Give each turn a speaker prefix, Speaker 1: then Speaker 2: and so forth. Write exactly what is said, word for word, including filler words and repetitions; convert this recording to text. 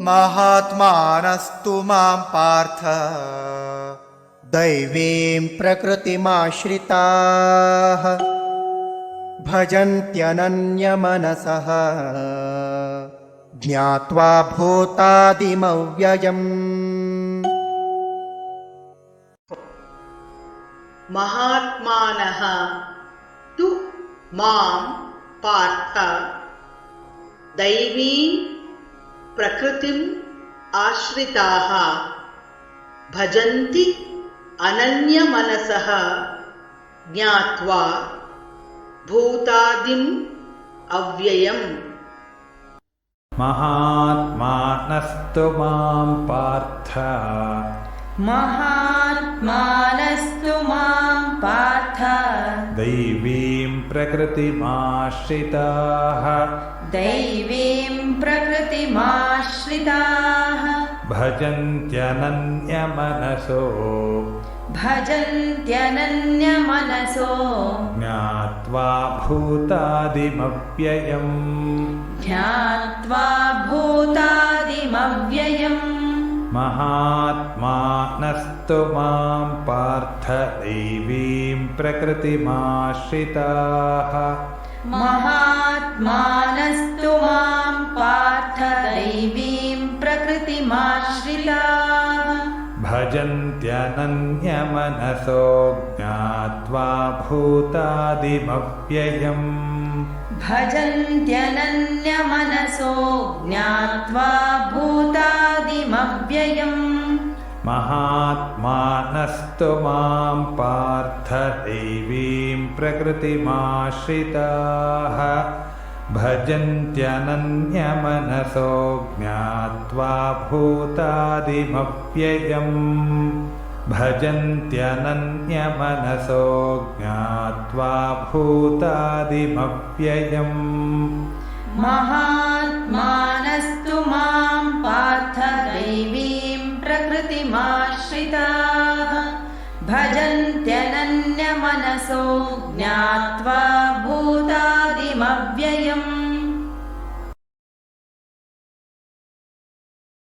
Speaker 1: महात्मानस्तु मां पार्थ दैवीं प्रकृतिमाश्रिताः भजन्त्यनन्यमनसः ज्ञात्वा भूतादिमव्ययम्।
Speaker 2: महात्मानः तु मां पार्थ दैवीं प्रकृतिम् आश्रिताः भजन्ति अनन्यमनसः ज्ञात्वा भूतादिम् अव्ययम्।
Speaker 3: महात्मानस्तु मां पार्थ
Speaker 4: महात्मानस्तु मां पार्थ
Speaker 3: दैवीं प्रकृतिमाश्रिताः
Speaker 4: दैवीं प्रकृतिमाश्रिताः
Speaker 3: भजन्त्यनन्यमनसो
Speaker 4: भजन्त्यनन्यमनसो
Speaker 3: ज्ञात्वा भूतादिमव्ययम्
Speaker 4: ज्ञात्वा भूतादिमव्ययम्।
Speaker 3: महात्मानस्तु मां पार्थ दैवीं प्रकृतिमाश्रिताः
Speaker 4: महात्मानस्तु मां पार्थ दैवीं प्रकृतिमाश्रिताः
Speaker 3: भजन्त्यनन्यमनसो ज्ञात्वा भूतादिमव्ययम्
Speaker 4: भजन्त्यनन्यमनसो ज्ञात्वा भूतादिमव्ययम्।
Speaker 3: महात्मानस्तु मां पार्थ दैवीं प्रकृतिमाश्रिताः भजन्त्यनन्यमनसो ज्ञात्वा भूतादिमव्ययम् भजन्त्यनन्यमनसो ज्ञात्वा भूतादिमव्ययम्।
Speaker 4: महात्मानस्तु मां पार्थ दैवीं प्रकृतिमाश्रिताः भजन्त्यनन्यमनसो ज्ञात्वा भूता